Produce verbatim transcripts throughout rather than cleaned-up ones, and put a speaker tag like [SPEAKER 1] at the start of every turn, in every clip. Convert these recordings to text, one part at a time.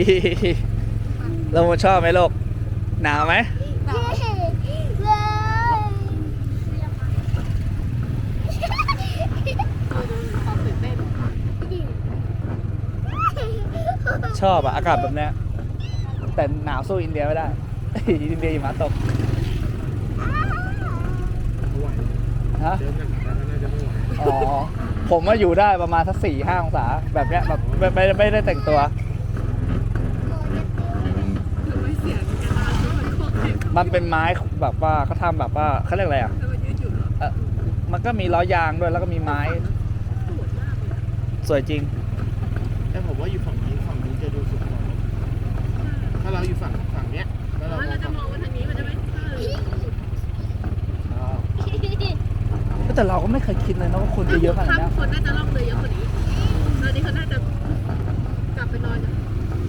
[SPEAKER 1] เราชอบไหมลูกหนาวไหมชอบอะอากาศแบบเนี้ยแต่หนาวสู้อินเดียไม่ได้ อินเดียหิมะตก
[SPEAKER 2] ไม่ไหว
[SPEAKER 1] ฮะ
[SPEAKER 2] เดินกันแต่ก็น่าจะไม่ไหว
[SPEAKER 1] อ๋อผมว่าอยู่ได้ประมาณสักสี่ห้าองศาแบบเนี้ยแบบไม่ไม่ไม่ได้แต่งตัว
[SPEAKER 3] ไม่เสียงกันนะมันโคตรเจ็บ
[SPEAKER 1] มันเป็นไม้แบบว่าเขาทำแบบว่าเขาเรียกอะไรอ่ะ
[SPEAKER 3] แล้วมันยืดหยุ่นเหรอ
[SPEAKER 1] เออมันก็มีล้อยางด้วยแล้วก็มีไม้
[SPEAKER 3] ปวดมากเลย
[SPEAKER 1] สวยจริง
[SPEAKER 2] แต่ผมว่าอยู่ฝั่งนี้ฝั่งนี้จะดูสุดกว่าถ้าเราอยู่ฝั่งฝั่งเนี้ยแล้ว
[SPEAKER 3] อ๋
[SPEAKER 2] เรา
[SPEAKER 3] อเราจะมองว่าทางนี้มันจะไม่เออ
[SPEAKER 1] แต่เราก็ไม่เคยคิดเลยนะว่าคนจะเยอะขนาดนี้
[SPEAKER 3] คนน่าจะล่องเลยเยอะกว่านี้ตอนนี้เขาน่าจะกลับไปนอนกัน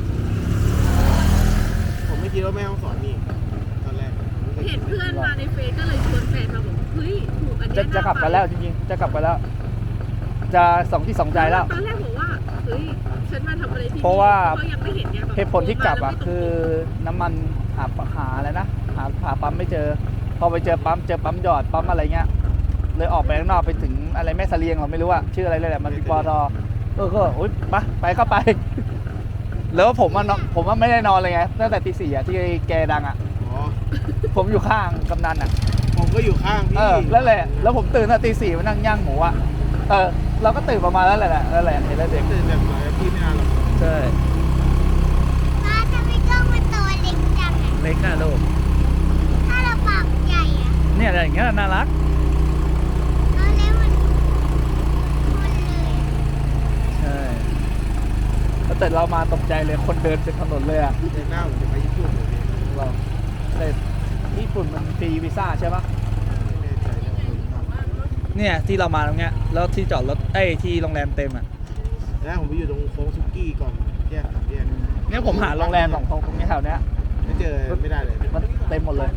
[SPEAKER 2] ผมไม่คิดว่าแม่ห้องสอนนี่ตอนแรก
[SPEAKER 3] เห็นเพื่อนมาในเฟซก็เลยชวนแฟนมาบอกเฮ้ยถูกอัน
[SPEAKER 1] จะ
[SPEAKER 3] เนี้ย
[SPEAKER 1] จะกลับกันแล้วจริงๆจะกลับกันแล้ว จะสองที่สองใจแล้ว
[SPEAKER 3] ตอนแรกบอกว่าเฮ้ยฉันมาทำอะไรที่นี่
[SPEAKER 1] เพราะว่า
[SPEAKER 3] เขายังไม่เห็นไงแบบ
[SPEAKER 1] เหตุผลที่กลับอ่ะคือน้ำมันหาหาอะไรนะหาหาปั๊มไม่เจอ พอไปเจอปั๊มเจอปั๊มหยอดปั๊มอะไรเงี้ยเลยออกไปข้างนอกไปถึงอะไรแม่เสลียงเราไม่รู้อะชื่ออะไรเลยแหละมันมีปอทเออก็อุ้ยไปไปก็ไป แล้วผมว่านอนผมว่าไม่ได้นอนเลยไงตั้งแต่ตีสี่อะที่แกดังอะ
[SPEAKER 2] อ๋อ
[SPEAKER 1] ผมอยู่ข้างกำนันอะ
[SPEAKER 2] ผมก็อยู่ข้างพี่
[SPEAKER 1] เออแล้วแหละแล้วผมตื่นตั้งตีสี่มานั่งย่างหมูอะเออเราก็ตื่นประมาณนั้นแหละนั่นแหละเห็นแล้วเด็ก
[SPEAKER 2] ตื่นแบบไหนพี่ไม่นานหรอก
[SPEAKER 1] ใช่
[SPEAKER 4] ป้าทำไมกล้องมันตัวเล็กจังอะ
[SPEAKER 1] เล็กอะลูก
[SPEAKER 4] ถ้าเราปากใหญ่อะ
[SPEAKER 1] เนี่ยอะไรอย่างเงี้ยน่ารัก
[SPEAKER 4] เราเล็กมันมันเลย
[SPEAKER 1] ใช่แล้วแต่เรามาตกใจเลยคนเดินเต็มถนนเลยอะ
[SPEAKER 2] เดือนหน้าผมจะไปญี่ปุ่นเลยพี่
[SPEAKER 1] เราแต่ญี่ปุ่นมันฟรีวีซ่าใช่ปะ
[SPEAKER 2] ไม่แน่ใจเรื่องคนขับ
[SPEAKER 1] เนี่ยที่เรามาตรงเนี้ยแล้วที่จอดรถเอ้ยที่โรงแรมเต็มอ่ะ
[SPEAKER 2] แล้วผมไปอยู่ตรงโค้งซุกี้ก่อนแยกสามแยก
[SPEAKER 1] เนี่ยผมหาโรงแรมสองตรงตรงนี้แถวเนี้ย
[SPEAKER 2] ไม่เจอไม่ได้เลย
[SPEAKER 1] มันเต็มหมดเลย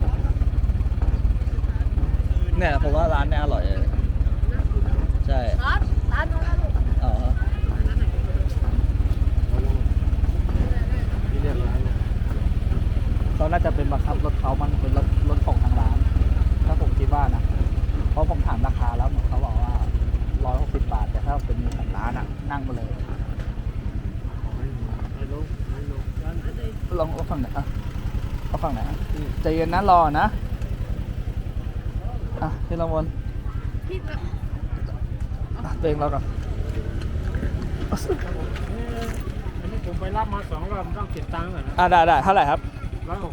[SPEAKER 1] เนี่ยผมว่าร้านเนี้ยอร่อยเลยใช่
[SPEAKER 3] ร้านร้านนู้นนะลูก
[SPEAKER 1] อ๋อ
[SPEAKER 2] พี่เรียกร้านเลย
[SPEAKER 1] เขาน่าจะเป็นบังคับรถเขามันเป็นรถรถของทางร้านถ้าผมคิดว่านะเพราะผมถามราคาแล้วเหมือนเขาบอกว่าร้อยหกสิบบาทแต่ถ้าเป็นมีของร้านอ่ะนั่งมาเลย
[SPEAKER 2] ไม่รู้ไม่รู้
[SPEAKER 1] ลองเอาฝั่งไหนอ่ะเอาฝั่งไหนอ่ะใจเย็นนะรอนะอ่ะพี่ละมน
[SPEAKER 3] พี่จะ
[SPEAKER 1] อ่ะเองเราก่อน
[SPEAKER 5] อันนี้ผมไปรับมาสองรอบต้องเก็บตังค์ก่อนนะ
[SPEAKER 1] อ่ะได้ได้เท่าไหร่ครับ
[SPEAKER 5] ร้อยหก